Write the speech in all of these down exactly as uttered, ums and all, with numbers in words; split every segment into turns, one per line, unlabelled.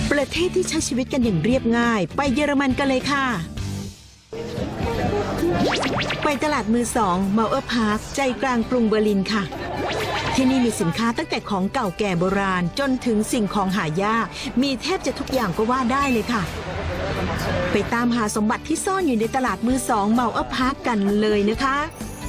ประเทศที่ใช้ชีวิตกันอย่างเรียบง่ายไปเยอรมันกันเลยค่ะไปตลาดมือสองเมาเออร์พาร์คใจกลางกรุงเบอร์ลินค่ะที่นี่มีสินค้าตั้งแต่ของเก่าแก่โบราณจนถึงสิ่งของหายากมีแทบจะทุกอย่างก็ว่าได้เลยค่ะไปตามหาสมบัติที่ซ่อนอยู่ในตลาดมือสองเมาเออร์พาร์คกันเลยนะคะ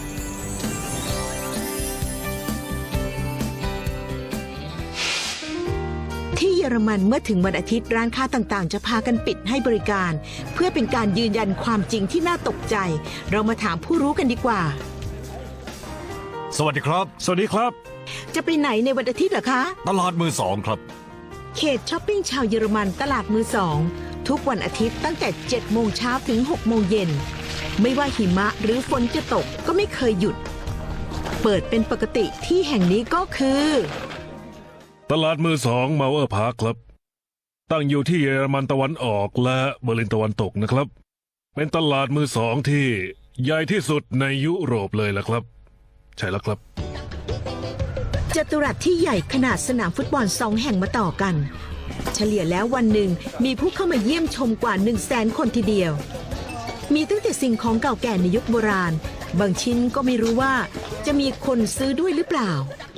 ที่เยอรมันเมื่อถึงวันอาทิตย์ร้านค้าต่างๆจะพากันปิดให้บริการเพื่อเป็นการยืนยันความจริงที่น่าตกใจเรามาถามผู้รู้กันดีกว่า
สวัสดีครับ
สวัสดีครับ
จะไปไหนในวันอาทิตย์เหรอคะ
ตลาดมือสองครับ
เขตช้อปปิ้งชาวเยอรมันตลาดมือสองทุกวันอาทิตย์ตั้งแต่เจ็ดโมงเช้าถึงหกโมงเย็นไม่ว่าหิมะหรือฝนจะตกก็ไม่เคยหยุดเปิดเป็นปกติที่แห่งนี้ก็คือ
ตลาดมือสองเมาเออร์พาร์คครับตั้งอยู่ที่เยอรมันตะวันออกและเบอร์ลินตะวันตกนะครับเป็นตลาดมือสองที่ใหญ่ที่สุดในยุโรปเลยล่ะครับใช่แล้วครับ
จัตุรัสที่ใหญ่ขนาดสนามฟุตบอลสองแห่งมาต่อกันเฉลี่ยแล้ววันหนึ่งมีผู้เข้ามาเยี่ยมชมกว่าหนึ่งแสนคนทีเดียวมีตั้งแต่สิ่งของเก่าแก่ในยุคโบราณบางชิ้นก็ไม่รู้ว่าจะมีคนซื้อด้วยหรือเปล่า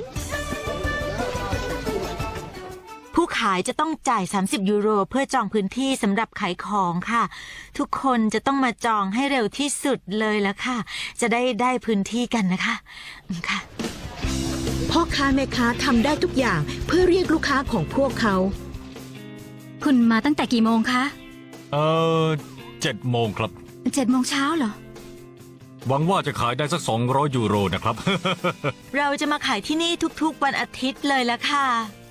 ผู้ขายจะต้องจ่ายสามสิบยูโรเพื่อจองพื้นที่สำหรับขายของค่ะทุกคนจะต้องมาจองให้เร็วที่สุดเลยละค่ะจะได้ได้พื้นที่กันนะคะค่ะ
พ่อค้าแม่ค้าทำได้ทุกอย่างเพื่อเรียกลูกค้าของพวกเขา
คุณมาตั้งแต่กี่โมงคะ
เออเจ็ดโมงครับ
เจ็ดโมงเช้าเหรอ
หวังว่าจะขายได้สักสองร้อยยูโรนะครับ
เราจะมาขายที่นี่ทุกๆวันอาทิตย์เลยละค่ะ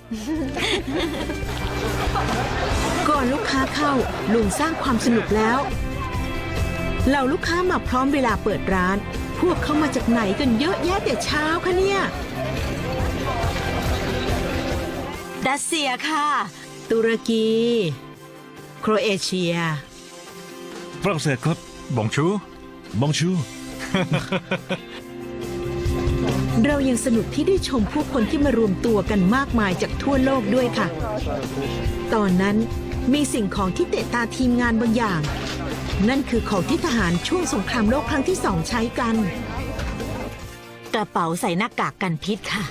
ก่อนลูกค้าเข้าลุงสร้างความสนุกแล้วเหล่าลูกค้ามาพร้อมเวลาเปิดร้านพวกเขามาจากไหนกันเยอะแยะแต่เช้าคะเนี่ย
รัสเซียค่ะ
ตุรกีโครเอเชีย
ฝรั่งเศสครับ
บองชู
บองชู
เรายังสนุกที่ได้ชมผู้คนที่มารวมตัวกันมากมายจากทั่วโลกด้วยค่ะตอนนั้นมีสิ่งของที่เตะตาทีมงานบางอย่างนั่นคือของที่ทหารช่วงสงครามโลกครั้งที่สองใช้กัน
กระเป๋าใส่หน้ากากกันพิษค่ะ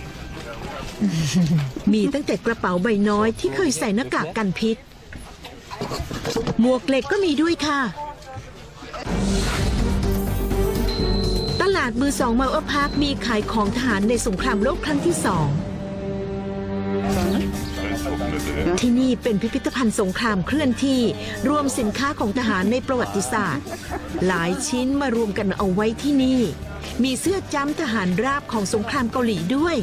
มีตั้งแต่กระเป๋าใบน้อยที่เคยใส่หน้ากากกันพิษหมวกเหล็กก็มีด้วยค่ะตลาดมือสองเมาเออร์พาร์คมีขายของทหารในสงครามโลกครั้งที่สองที่นี่เป็นพิพิธภัณฑ์สงครามเคลื่อนที่รวมสินค้าของทหารในประวัติศาสตร์หลายชิ้นมารวมกันเอาไว้ที่นี่มีเสื้อจ้ำทหารราบของสงครามเกาหลีด้วย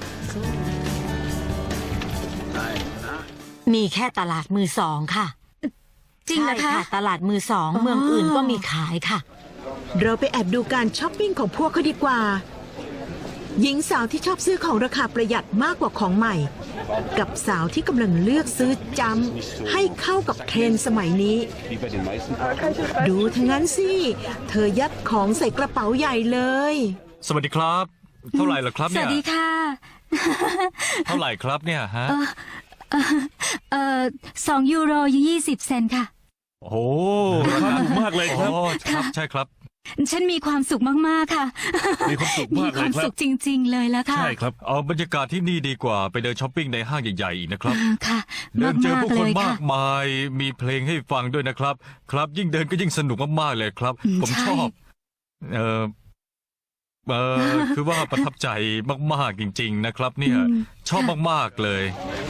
มีแค่ตลาดมือสองค่ะ
จริงเหรอคะ
ตลาดมือสองเมืองอื่นก็มีขายค่ะ
เราไปแอบดูการช้อปปิ้งของพวกเขาดีกว่าหญิงสาวที่ชอบซื้อของราคาประหยัดมากกว่าของใหม่กับสาวที่กำลังเลือกซื้อจ้ำให้เข้ากับเทรนด์สมัยนี้ดูทั้งนั้นสิเธอยัดของใส่กระเป๋าใหญ่เลย
สวัสดีครับเท่าไหร่ล่ะครับเนี่ย
สวัสดีค่ะ
เท่าไหร่ครับเนี่ยฮะ
เออเออสองยูโรยี่สิบเซนต์ค่ะ
โอ้
ราคาถูกมากเลยครับ
ครับใช่ครับ
ฉันมีความสุขมากๆค่ะ
มีความสุขมากเลยครับมีความสุ
ขจริงๆเลยแล้วค่ะ
ใช่ครับเอาบรรยากาศที่นี่ดีกว่าไปเดินช้อปปิ้งในห้างใหญ่ๆอีกนะครับ
ค่ะ
เดินเจอผู้คนมากมายมีเพลงให้ฟังด้วยนะครับครับยิ่งเดินก็ยิ่งสนุกมากๆเลยครับผมชอบเออเออคือว่าประทับใจมากๆจริงๆนะครับเนี่ยชอบมากๆเลย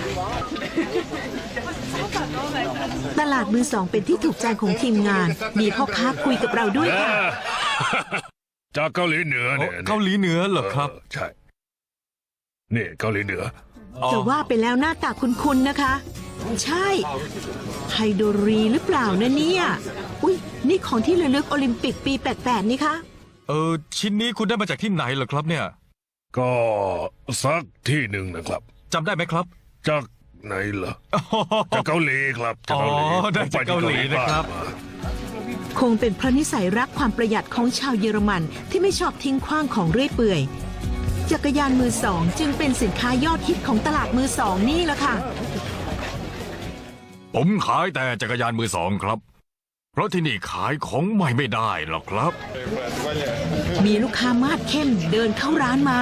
ตลาดมือสองเป็นที่ถูกใจของทีมงานมีพ่อค้าคุยกับเราด้วยค่ะ
จากเกาหลีเหนือเนี่ย
เกาหลีเหนือเหรอครับ
ใช่นี่เกาหลีเหนือ
แต่ว่าไปแล้วหน้าตาคุ้นๆนะคะใช่ไฮโดรีหรือเปล่านะเนี่ยอุ้ยนี่ของที่ระลึกโอลิมปิกปีแปดแปดนี่คะ
เออชิ้นนี้คุณได้มาจากที่ไหนเหรอครับเนี่ย
ก็สักที่หนึ่งนะครับ
จำได้ไหมครับ
จากไหนเหรอจากเกาหลีครับจากเกาหลี
ได้จากเกาหลีนะครับ
คงเป็นเพราะนิสัยรักความประหยัดของชาวเยอรมันที่ไม่ชอบทิ้งขว้างของเรื่อยเปื่อยจักรยานมือสองจึงเป็นสินค้ายอดฮิตของตลาดมือสองนี่แหละค่ะ
ผมขายแต่จักรยานมือสองครับ เพราะที่นี่ขายของใหม่ไม่ได้หรอกครับ
มีลูกค้ามาดเข้มเดินเข้าร้านมา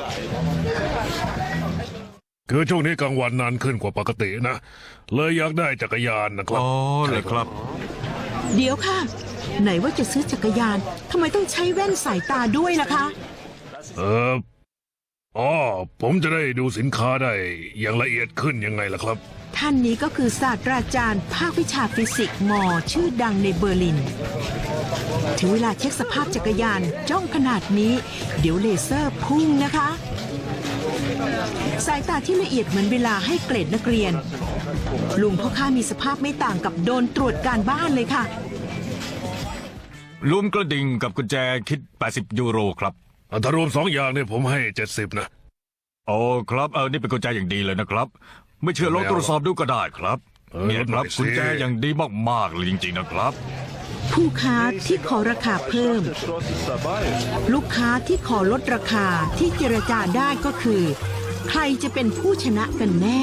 คือช่วงนี้กลางวันนานขึ้นกว่าปกตินะ เลยอยากได้จักรยานนะครับ
อ๋อเลยครับ
เดี๋ยวค่ะ ไหนว่าจะซื้อจักรยานทำไมต้องใช้แว่นสายตาด้วยล่ะคะ
เอออ๋อผมจะได้ดูสินค้าได้อย่างละเอียดขึ้นยังไงล่ะครับ
ท่านนี้ก็คือศาสตราจารย์ภาควิชาฟิสิกส์มอชื่อดังในเบอร์ลิน ถึงเวลาเช็คสภาพจักรยานจ้องขนาดนี้ เดี๋ยวเลเซอร์พุ่งนะคะ สายตาที่ละเอียดเหมือนเวลาให้เกรดนักเรียน ลุงพ่อค้ามีสภาพไม่ต่างกับโดนตรวจการบ้านเลยค่ะ
ลุมกระดิ่งกับกุญแจคิด แปดสิบ ยูโรครับ
ถ้ารวมสองอย่างเนี่ยผมให้เจ็ดสิบนะ
โอ้ครับเออนี่เป็นกุญแจอย่างดีเลยนะครับ ไม่เชื่อลองตรวจสอบดูก็ได้ครับ
เออ
เนี่ยครับ
ลดหน่อยสิ
กุญแจอย่างดีมากๆเลยจริงๆนะครับ
ผู้ค้าที่ขอราคาเพิ่ม ลูกค้าที่ขอลดราคาที่เจรจาได้ก็คือ ใครจะเป็นผู้ชนะกันแน่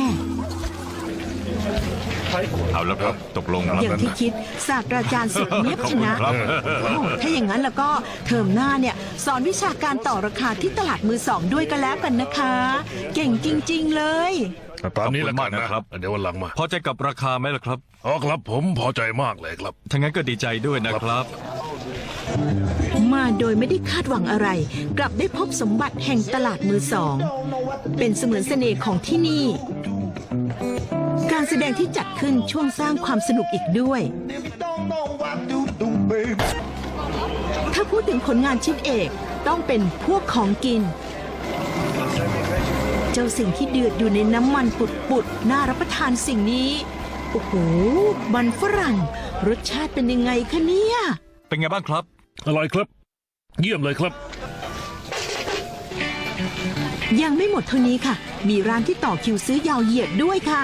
เอาแล้วครับตกลงแล้ว
อย่างที่คิดศาสตราจารย์สุดเนียบชนะ
ขอบคุณครับ
โอ้ถ้าอย่างนั้นแล้วก็เทอมหน้าเนี่ยสอนวิชาการต่อราคาที่ตลาดมือสองด้วยกันแล้วกันนะคะ เก่งจริงๆเลย
ตามนี้ละ
ขอบคุณ
กั
มาน ก
นะ
นะครับ
เดี๋ยววันหลังมา
พอใจกับราคาไหมล่ะครับ
อ๋อครับผมพอใจมากเลยครับ
ถ้างั้นก็ดีใจด้วยนะครับ
มาโดยไม่ได้คาดหวังอะไร กลับได้พบสมบัติแห่งตลาดมือสอง เป็นเสมือนเสน่ห์ของที่นี่ การแสดงที่จัดขึ้นช่วงสร้างความสนุกอีกด้วย ถ้าพูดถึงผลงานชิ้นเอกต้องเป็นพวกของกิน เจ้าสิ่งที่เดือดอยู่ในน้ำมันปุดๆน่ารับประทานสิ่งนี้ โอ้โห มันฝรั่ง รสชาติเป็นยังไงคะเนี่ย
เป็นไงบ้างครับ
อร่อยครับ เยี่ยมเลยครับ
ยังไม่หมดเท่านี้ค่ะ มีร้านที่ต่อคิวซื้อยาวเหยียดด้วยค่ะ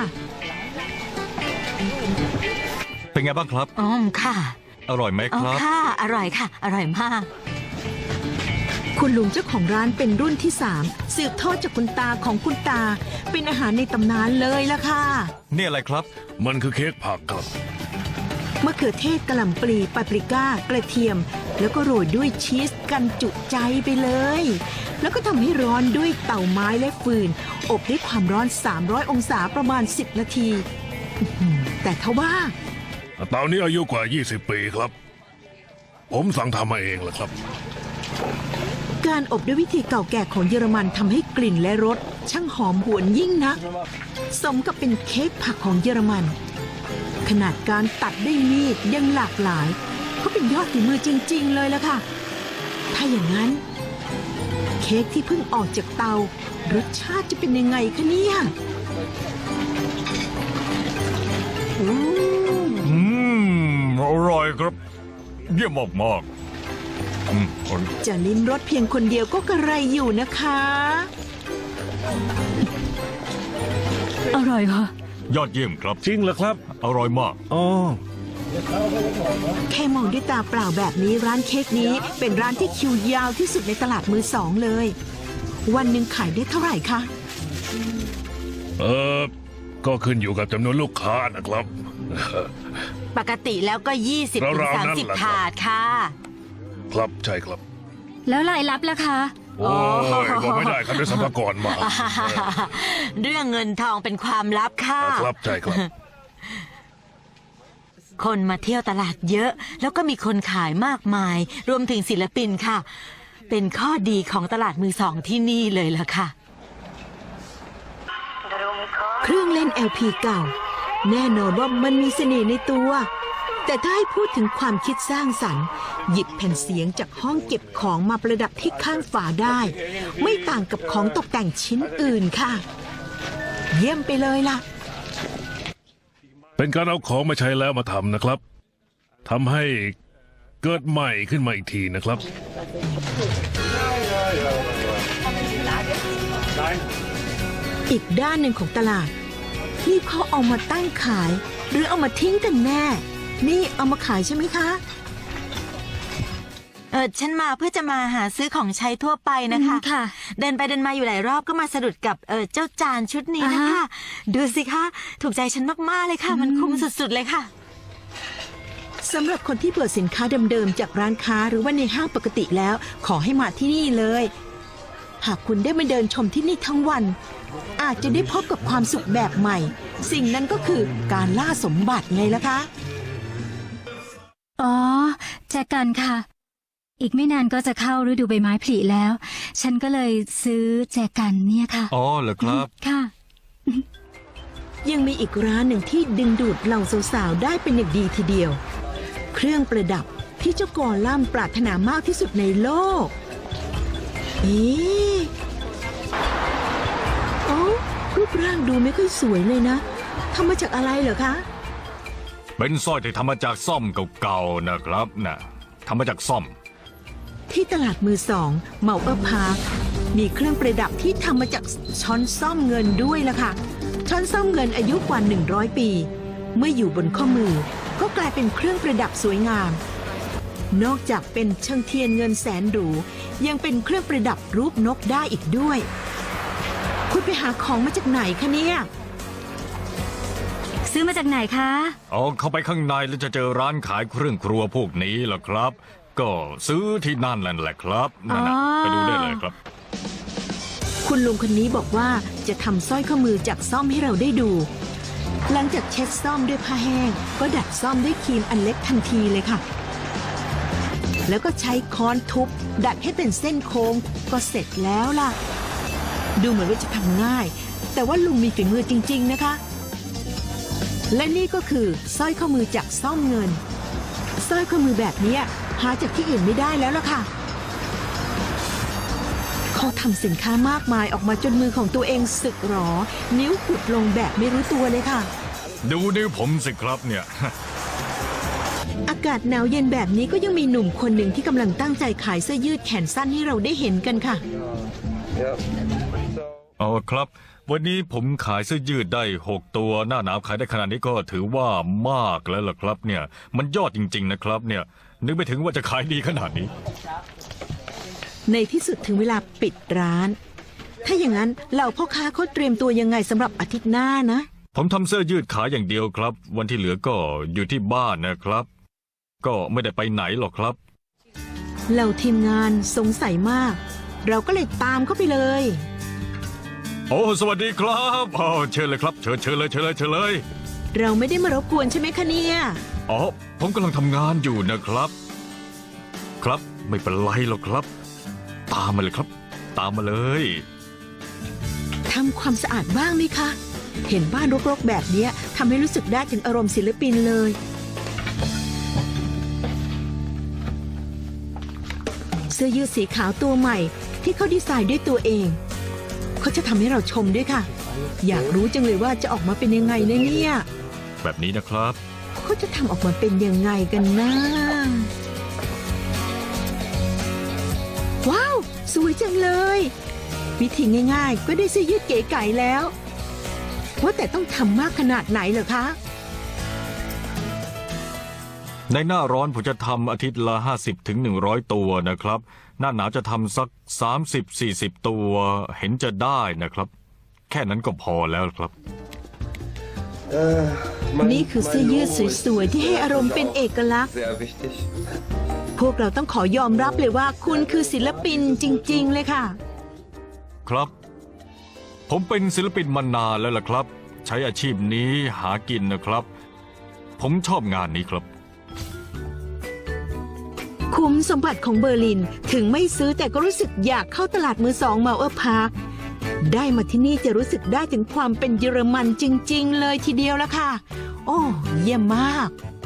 เป็นไงบ้างครับ
อ๋อค่ะ
อร่อยไหม
อ๋อ
ครับ
ค่ะ อร่อยค่ะ อร่อยมาก
คุณลุงเจ้าของร้านเป็นรุ่นที่สามสืบทอดจากคุณตาของคุณตา เป็นอาหารในตำนานเลยล่ะค่ะ
นี่อะไรครับ
มันคือเค้กผักครับ
มะเขือเทศกะหล่ำปลีปาปริก้ากระเทียม แล้วก็โรยด้วยชีสกันจุใจไปเลย แล้วก็ทำให้ร้อนด้วยเตาไม้และฟืน อบด้วยความร้อน สามร้อย องศาประมาณ สิบ นาทีอื้อหือแต่ทว่า
เตานี้อายุกว่า ยี่สิบ ปีครับ ผมสั่งทำมาเองแหละครับ
การอบด้วยวิธีเก่าแก่ของเยอรมันทำให้กลิ่นและรสช่างหอมหวนยิ่งนัก สมกับเป็นเค้กผักของเยอรมัน ขนาดการตัดด้วยมีดยังหลากหลายก็เป็นยอดฝีมือจริง ๆ เลยละค่ะ ถ้าอย่างนั้น เค้กที่เพิ่งออกจากเตารสชาติจะเป็นยังไงคะเนี่ย
อืมอร่อยครับ เยี่ยมมากๆอืมอร่อย
จะลิ้มรสเพียงคนเดียวก็กระไรอยู่นะคะ
อร่อยค่ะ
ยอดเยี่ยมครับ
จริงเหรอครับ
อร่อยมาก
อ๋อ
แค่มองด้วยตาเปล่าแบบนี้ร้านเค้กนี้เป็นร้านที่คิวยาวที่สุดในตลาดมือสองเลย วันหนึ่งขายได้เท่าไหร่คะ
เออก็ขึ้นอยู่กับจำนวนลูกค้านะครับ
ปกติแล้วก็ ยี่สิบถึง
ราวๆ
สาม
นั้น
สิบ
แหละครับ
ถาดค่ะ
ครับใช่ครับ
แล้วรายรับล่ะคะ
โอ้ยบอกไม่ได้ครับด้วยสัมภาระมา
เรื่องเงินทองเป็นความลับค่ะ
ครับใช่ครับ
คนมาเที่ยวตลาดเยอะ แล้วก็มีคนขายมากมาย รวมถึงศิลปินค่ะ เป็นข้อดีของตลาดมือสองที่นี่เลยล่ะค่ะ
เครื่องเล่น แอล พี เก่า แน่นอนว่ามันมีเสน่ห์ในตัว แต่ถ้าให้พูดถึงความคิดสร้างสรรค์ หยิบแผ่นเสียงจากห้องเก็บของมาประดับที่ข้างฝาได้ ไม่ต่างกับของตกแต่งชิ้นอื่นค่ะ เยี่ยมไปเลยล่ะ
เป็นการเอาของมาใช้แล้วมาทำนะครับทำให้เกิดใหม่ขึ้นมาอีกทีนะครับ
อีกด้านหนึ่งของตลาด นี่เขาเอามาตั้งขาย หรือเอามาทิ้งกันแน่ นี่เอามาขายใช่ไหมคะ
เออฉันมาเพื่อจะมาหาซื้อของใช้ทั่วไปนะคะ
อืมค่ะ
เดินไปเดินมาอยู่หลายรอบก็มาสะดุดกับเออเจ้าจานชุดนี้นะ
อ่า
คะ
ฮะ
ดูสิคะ ถูกใจฉันมากๆเลยค่ะ มันคุ้มสุดๆเลยค่ะ
สำหรับคนที่เบื่อสินค้าเดิมๆจากร้านค้าหรือว่าในห้างปกติแล้ว ขอให้มาที่นี่เลย หากคุณได้มาเดินชมที่นี่ทั้งวัน อาจจะได้พบกับความสุขแบบใหม่ สิ่งนั้นก็คือการล่าสมบัติไงล่ะคะ
อ๋อแจกันค่ะ อีกไม่นานก็จะเข้าฤดูใบไม้ผลิแล้ว ฉันก็เลยซื้อแจกันเนี่ยค่ะ
อ๋อเหรอครับ
ค่ะ
ยังมีอีกร้านหนึ่งที่ดึงดูดเหล่าสาวๆได้เป็นอย่างดีทีเดียว เครื่องประดับที่เจ้ากอลัมน์ปรารถนามากที่สุดในโลก เอ๊ะโอ้รูปร่างดูไม่ค่อยสวยเลยนะทำมาจากอะไรเหรอคะ
เป็นสร้อยที่ทำมาจากซ่อมเก่าๆนะครับนะทำมาจากซ่อม
ที่ตลาดมือสองเมาเออร์พาร์คมีเครื่องประดับที่ทำมาจากช้อนซ่อมเงินด้วยล่ะค่ะ ช้อนซ่อมเงินอายุกว่าหนึ่งร้อยปี เมื่ออยู่บนข้อมือ ก็กลายเป็นเครื่องประดับสวยงาม นอกจากเป็นเชิงเทียนเงินแสนหรูยังเป็นเครื่องประดับรูปนกได้อีกด้วย คุณไปหาของมาจากไหนคะเนี่ย
ซื้อมาจากไหนคะ
เอาเข้าไปข้างในแล้วจะเจอร้านขายเครื่องครัวพวกนี้ล่ะครับ ก็ซื้อที่นั่นแหละครับนั่นนะ
อ๋อ
ไปดูได้เลยครับ
คุณลุงคนนี้บอกว่าจะทำสร้อยข้อมือจากซ่อมให้เราได้ดู หลังจากเช็ดซ่อมด้วยผ้าแห้ง ก็ดัดซ่อมด้วยครีมอันเล็กทันทีเลยค่ะ แล้วก็ใช้ค้อนทุบ ดัดให้เป็นเส้นโค้งก็เสร็จแล้วล่ะ ดูเหมือนว่าจะทำง่าย แต่ว่าลุงมีฝีมือจริงๆนะคะ และนี่ก็คือสร้อยข้อมือจากซ่อมเงินสร้อยข้อมือแบบเนี้ยหาจากที่อื่นไม่ได้แล้วล่ะค่ะ เขาทำสินค้ามากมายออกมาจนมือของตัวเองสึกหรอ นิ้วกุดลงแบบไม่รู้ตัวเลยค่ะ
ดูนิ้วผมสิครับเนี่ย
อากาศหนาวเย็นแบบนี้ก็ยังมีหนุ่มคนหนึ่งที่กำลังตั้งใจขายเสื้อยืดแขนสั้นให้เราได้เห็นกันค่ะ
เอาครับ วันนี้ผมขายเสื้อยืดได้หกตัวหน้าหนาวขายได้ขนาดนี้ก็ถือว่ามากแล้วล่ะครับเนี่ย มันยอดจริง ๆนะครับเนี่ย นึกไม่ถึงว่าจะขายดีขนาดนี้
ในที่สุดถึงเวลาปิดร้าน ถ้าอย่างนั้นเหล่าพ่อค้าเขาเตรียมตัวยังไงสำหรับอาทิตย์หน้านะ
ผมทำเสื้อยืดขายอย่างเดียวครับ วันที่เหลือก็อยู่ที่บ้านนะครับ ก็ไม่ได้ไปไหนหรอกครับ
เหล่าทีมงานสงสัยมาก เราก็เลยตามเข้าไปเลย
โอ้สวัสดีครับอ๋อเชิญเลยครับเชิญเชิญเลยเชิญเลยเชิญเลย
เราไม่ได้มารบกวนใช่ไหมคะเนี่ย
อ๋อผมกำลังทำงานอยู่นะครับ ครับไม่เป็นไรหรอกครับ ตามมาเลยครับ ตามมาเลย
ทำความสะอาดบ้างไหมคะ เห็นบ้านรกๆแบบเนี้ยทำให้รู้สึกได้ถึงอารมณ์ศิลปินเลย เสื้อยืดสีขาวตัวใหม่ที่เขาดีไซน์ด้วยตัวเอง เขาจะทำให้เราชมด้วยค่ะ อยากรู้จังเลยว่าจะออกมาเป็นยังไงนะเนี่ย
แบบนี้นะครับ
เขาจะทำออกมาเป็นยังไงกันนะ ว้าว สวยจังเลย วิธีง่ายๆ ก็ได้เสื้อยืดเก๋ไก๋แล้ว ว่าแต่ต้องทำมากขนาดไหนเหรอคะ
ในหน้าร้อนผมจะทำอาทิตย์ละห้าสิบถึงหนึ่งร้อยตัวนะครับ หน้าหนาวจะทำสักสามสิบสี่สิบตัวเห็นจะได้นะครับ แค่นั้นก็พอแล้วครับ
นี่คือเสื้อยืดสวยๆที่ให้อารมณ์เป็นเอกลักษณ์
Sehr wichtig.
พวกเราต้องขอยอมรับเลยว่าคุณคือศิลปินจริงๆเลยค่ะ
ครับ ผมเป็นศิลปินมานานแล้วล่ะครับ ใช้อาชีพนี้หากินนะครับ ผมชอบงานนี้ครับ
คุ้มสมบัติของเบอร์ลินถึงไม่ซื้อแต่ก็รู้สึกอยากเข้าตลาดมือสองเมาเออร์พาร์คได้มาที่นี่จะรู้สึกได้ถึงความเป็นเยอรมันจริงๆเลยทีเดียวละค่ะ โอ้เยี่ยมมาก